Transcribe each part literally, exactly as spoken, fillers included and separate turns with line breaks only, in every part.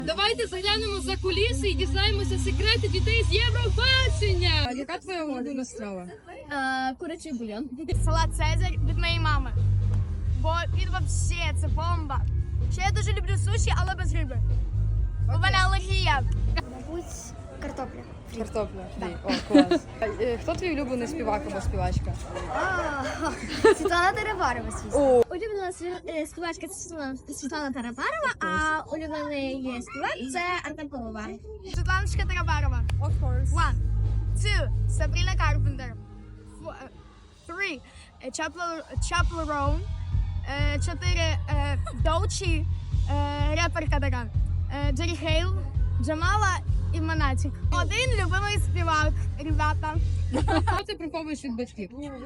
Давайте заглянемо за куліси і дізнаємося секрети дітей з Євробачення. А яка твоя улюблена страва?
Курячий бульйон. Салат Цезарь від моєї мами. Бо він вообще це бомба. Ще я дуже люблю суші, але без риби. У мене алергія.
Мабуть, картопля.
Картопля. Фрі. О, клас. А, е, Хто твій улюблений співак або співачка?
Світлана Тарабарова, звісно.
О,
Улюблена сві- е, співачка це Світлана, Світлана Тарабарова, а улюблений співак це Артем Пивовар.
Світланочка Тарабарова.
of course.
One, two, Sabrina Carpenter. Four, uh, three, uh, Chapel, Chaperone. Uh, чотири, uh, Доучі, uh, реперка така. Uh, Джері Хейл, Джамала і Монатік. Один любимий співак, ребята.
Що ти приховуєш від батьків?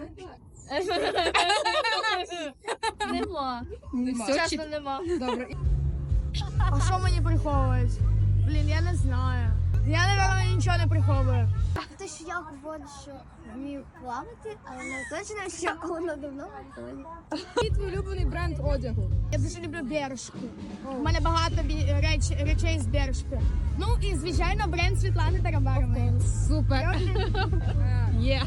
Нема.
Нема.
Чесно, нема.
Добре.
А що мені приховують? Блін, я не знаю. Я, напевно, нічого не приховую.
Те, що я говорю, що вмію плавати, але не точно, що воно давно полі.
Який твій улюблений бренд одягу?
Я дуже люблю бережку. У мене багато бі- реч, речей з бережки. Ну і, звичайно, бренд Світлани Тарабарової.
Супер. Є.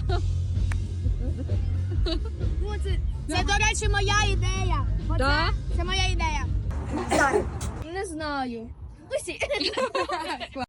Ну, це, це, до речі, моя ідея. Оце,
Да?
це моя ідея.
Не знаю. Усі.